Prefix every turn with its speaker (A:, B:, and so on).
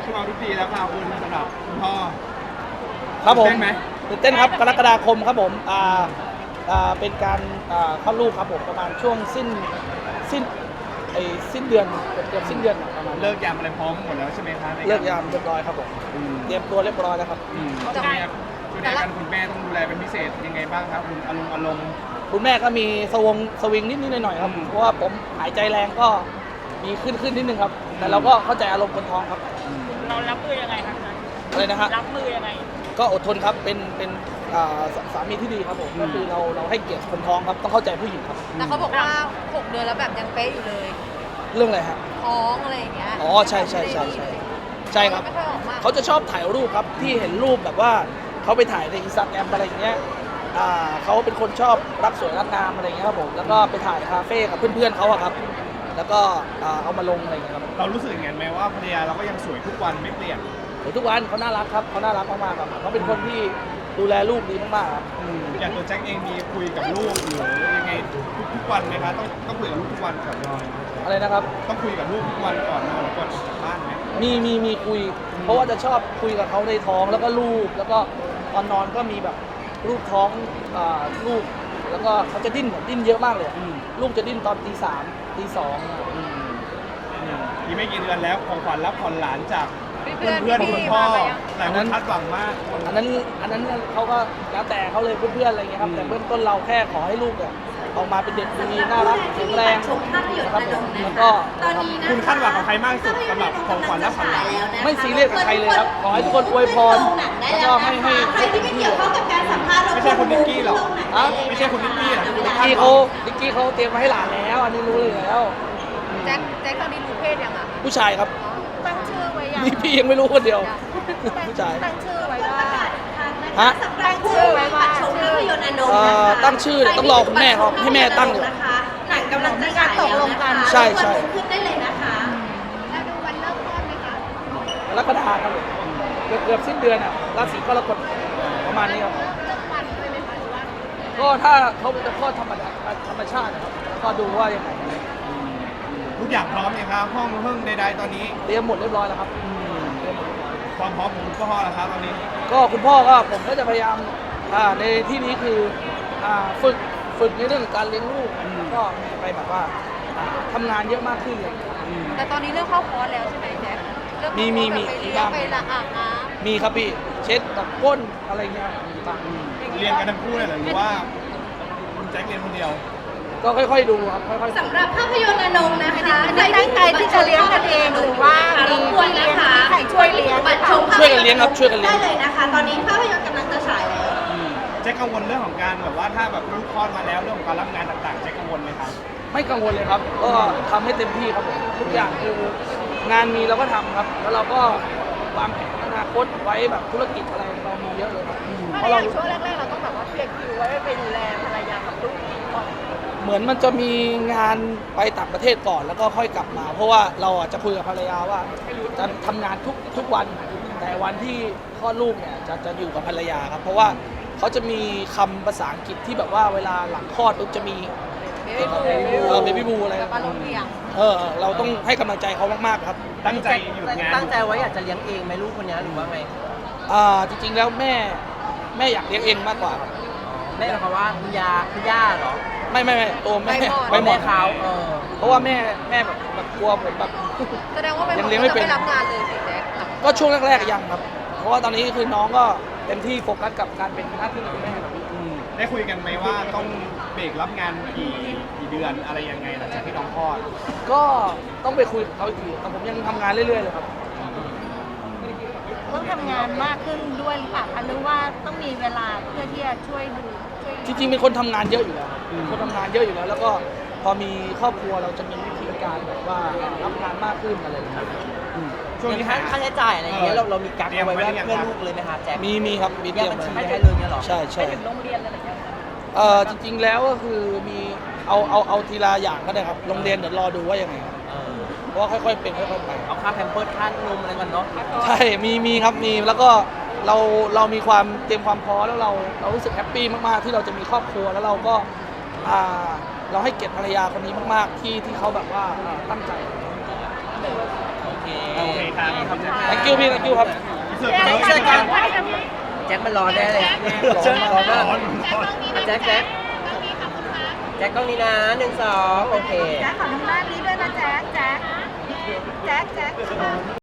A: ช่วงทุกปีแล้วค่ะคุณสำหรับคุณพ่อ
B: ครับผม
A: ตื่นเต้นไหม
B: ตื่นเต้นครับกรกฎาคมครับผมเป็นการคลอดลูกครับผมประมาณช่วงสิ้นเดือนเกือบสิ้นเดือนประมาณ
A: เลิกยามอะไรพร้อมหมดแล้วใช่ไหมคะ
B: เลิกยามเรียบร้อยครับผมเตรียมตัวเรียบร้อยแล้วครับ
A: ช่วงนี้ดูแลกันคุณแม่ต้องดูแลเป็นพิเศษยังไงบ้างครับคุณอารมณ์
B: คุณแม่ก็มีสวิงนิดหน่อยๆครับเพราะว่าผมหายใจแรงก็มีขึ้นนิดนึงครับแต่เราก็เข้าใจอารมณ์คนท้องครับ
C: เรารับมือยังไงครับ
B: อะไรนะฮะ
C: รับมือยังไง
B: ก็อดทนครับเป็นสามีที่ดีครับผมก็คือเราให้เกียรติคนท้องครับต้องเข้าใจผู้หญิงครับ
D: แต่เขาบอกว่า6 เดือนแล้วแบบยังเป๊ะอยู่เลย
B: เรื่องอะไรฮะ
D: ท้องอะไรอย่างเงี้ย
B: อ๋อใช่ครับ
D: ไม่ค่อยออกมา
B: เขาจะชอบถ่ายรูปครับที่เห็นรูปแบบว่าเขาไปถ่ายในอินสตาแกรมอะไรอย่างเงี้ยเขาเป็นคนชอบรักสวยรักงามอะไรอย่างเงี้ยครับผมแล้วก็ไปถ่ายคาเฟ่กับเพื่อนๆเขาอะครับแล้วก็เอามาลงอะไรอย่างเงี้ยครับ
A: เรารู้สึกอย่างนั้นไหมว่าภรรยาเราก็ยังสวยทุกวันไม่เปลี่ยน
B: ทุกวันเขาน่ารักครับเขาน่ารักมากๆครับเขาเป็นคนที่ดูแลลูกดีมากๆครับ
A: อย่างตัวแจ็คเองมีคุยกับลูกหรือยังไงทุกวันไหมคะต้องคุยกับลูกทุกวันก่อนนอน
B: อะไรนะครับ
A: ต้องคุยกับลูกทุกวันก่อนนอนก่อนกลับบ้านไหม
B: มีคุยเพราะว่าจะชอบคุยกับเขาในท้องแล้วก็ลูกแล้วก็ตอนนอนก็มีแบบลูกท้องลูกแล้วก็เขาจะดิ้นเยอะมากเลยลูกจะดิ้นตอนตี 3 ตี 2
A: นี่ไม่กี่เดือนแล้วของขวัญรับผ่อนหลานจากเพื่อนคุณพ่อหลายคนคาดหวังมาก
B: อันนั้นเขาก็แล้วแต่เขาเลยเพื่อนๆอะไรเงี้ยครับแต่เบื้องต้นเราแค่ขอให้ลูกเนี่ยออกมาเป็นเด็กดีน่ารักแข็งแรงนะครับแล้วก็
A: คุณคาดหวังกับใครมากสุดสำหรับของขวัญรับผ่อนหลาน
B: ไม่ซีเรียสกับใครเลยครับขอให้ทุกคนอวยพรแล้วก็ให้
E: ที่ไม่เกี่ยวข้องกับการสัมภาษณ์
A: ไม่ใช่คุณนิกกี้หรอไม่ใช่คุณนิกกี้หรอ
B: นิกกี้เขาเตรียมมาให้หลานแล้วอันนี้รู้เลยแล้ว
D: แจ็คตอนนี้รู้เพศยังอ่ะ
B: ผู้ชายครับ
D: ตั้งชื่อไว้ยัง
B: นี่พี่ยังไม่รู้คนเดียวผู้ชาย
D: ตั้งชื่อไว้ว่า
B: ฮะ
D: ตั้งชื่อไว้ว่า
E: ชมภาพยนตร์อนงนะคะ
B: ตั้งชื่อต้องรอคุณแม่เขาให้แม่ตั้งอยู่
E: นะคะหนังกำลังจะฉายแล้วนะคะ
B: ใช่
E: ขึ้นได้เลยนะคะ
D: แล้วดูวันเริ่มต้นไหมคะ
B: กรกฎาคมเกือบสิ้นเดือนอ่ะราศีกรกฎประมาณนี้ครับ
D: เริ่มวันด้วยไหมคะหรือว่า
B: ก็ถ้าเขาจะคลอดธรรมชาตินะครับก็ดูว่ายังไง
A: ทุกอย่างพร้อมไหมครับห้องเพิ่งใดๆตอนนี้
B: เตรียมหมดเรียบร้อยแล้วครับ
A: ความพร้อมของคุณพ่อแล้วครับตอนนี้
B: ก็คุณพ่อก็ผมก็จะพยายามในที่นี้คือฝึกในเรื่องการเลี้ยงลูกก็มีไปแบบว่าทำงานเยอะมากขึ้นเลย
D: แต่ตอนนี้เริ่มเข้าคอร์สแล้วใช่ไหมแจ๊ค
B: มี
D: ไปละอาบน้
B: ำมีครับพี่เช็ดแบบก้นอะไรเงี้ย
A: เรียนกันทั้งคู่เลยหรือว่าคุณแจ็คเรียนคนเดียว
B: ก็ค่อยๆดูครับค่อย
E: ๆสำหรับภาพยนตร์อนงนะคะ
D: ตั้งใจที่จะเลี้ยงกันเองหรือว่า
E: มีพี่เลี้ยงมี
D: ใครช่วยเลี้ยง
B: ช่วยกันเลี้ยงครับช่วยกันเลี้ยง
E: ได้เลยนะคะตอนนี้ภาพยนตร์กำลังจะฉายแล้ว
A: แจ็คกังวลเรื่องของการแบบว่าถ้าแบบลูกคลอดมาแล้วเรื่องของการรับงานต่างๆแจ็คกังวลไหมครับ
B: ไม่กังวลเลยครับก็ทำให้เต็มที่ครับผมทุกอย่างคืองานมีเราก็ทำครับแล้วเราก็วางแผนอนาคตไว้แบบธุรกิจอะไรเรามีเยอะเลยครับ
D: เพราะเราช่วงแรกๆเราต้องแบบว่าเคลียร์คิวไว้ไปดูแลภรรยากับลูกก่อน
B: เหมือนมันจะมีงานไปต่างประเทศก่อนแล้วก็ค่อยกลับมาเพราะว่าเราจะคุยกับภรรยาว่าจะทำงานทุกวันแต่วันที่คลอดลูกเนี่ยจะอยู่กับภรรยาครับเพราะว่าเขาจะมีคำภาษาอังกฤษที่แบบว่าเวลาหลังคลอดปุ๊บจะมีเบบี้บูอะไรเราต้องให้กำลังใจเขามากๆครับ
A: ตั้งใจอยู่งาน
F: ตั้งใจไว้อยากจะเลี้ยงเองไหมลูกคนนี้หรือว่าไง
B: จริงๆแล้วแม่อยากเลี้ยงเองมากกว่าครับ
F: แม่เขาว่าคุณย่าเหรอ
B: ไม่ตัวแม่
F: ไปหมดเขา
B: เพราะว่าแม่แบบกลัวผมแบบ
D: แสดงว่ายังเลี้ยงไม่เป็นรับงานเลยสิแจ๊ค
B: ก็ช่วงแรกๆยังครับเพราะว่าตอนนี้คือน้องก็เต็มที่โฟกัสกับการเป็นหน้าที่ของแม่ครับ
A: ได้คุยกันไหมว่าต้องเบรกรับงานกี่เดือนอะไรยังไงหลังจากที่น้องคลอด
B: ก็ต้องไปคุยกับเขาอีกทีแต่ผมยังทำงานเรื่อยๆเลยครับ
C: ต้องทำงานมากขึ้นด้วยหรือเปล่าคะหรือว่าต้องมีเวลาเพื่อที่จะช่วยดู
B: จริงๆเป็นคนทำงานเยอะอยู่แล้วคนทำงานเยอะอยู่แล้วแล้วก็พอมีครอบครัวเราจะมีวิธีการแบบว่ารับงานมากขึ้นอะไรอย่างเงี้ย
F: ช่วงนี้ค่าใช้จ่ายอะไรอย่างเงี้ยเรามีกั๊กเอาไว้เพื่อลูกเลยไหมคะแจ็ค
B: มีครับมีเตรียม
F: บัญชีให้เลยเนี่ยหรอ
B: ใช่
C: ถึงโรงเรียนอะไรอย่างเงี้
B: ยจริงๆแล้วก็คือมีเอาทีละอย่างก็ได้ครับโรงเรียนเดี๋ยวรอดูว่ายังไงเพราะว่าค่อยๆเป็นค่อยๆไป
F: เอาค่าแพมเพิร์สค่านมอะไรกันเนาะ
B: ใช่มีครับมีแล้วก็เรามีความเตรียมความพร้อมแล้วเรารู้สึกแฮปปี้มากๆที่เราจะมีครอบครัวแล้วเราก็เราให้เกียรติภรรยาคนนี้มากๆที่เขาแบบว่าตั้งใจ
F: โอเค
A: โอเคครับขอบคุณครับ
B: thank you พี่ thank you ครับ
A: เสิร์ฟกันเสิร์ฟกัน
F: แจ็คมันร้อนแน่เลย
B: ร้อนมาก
F: ร้อนมากแจ็คกล้องนี้นะ1 2โอเค
C: แจ๊คขอทางด้านนี้ด้วยนะแจ๊ค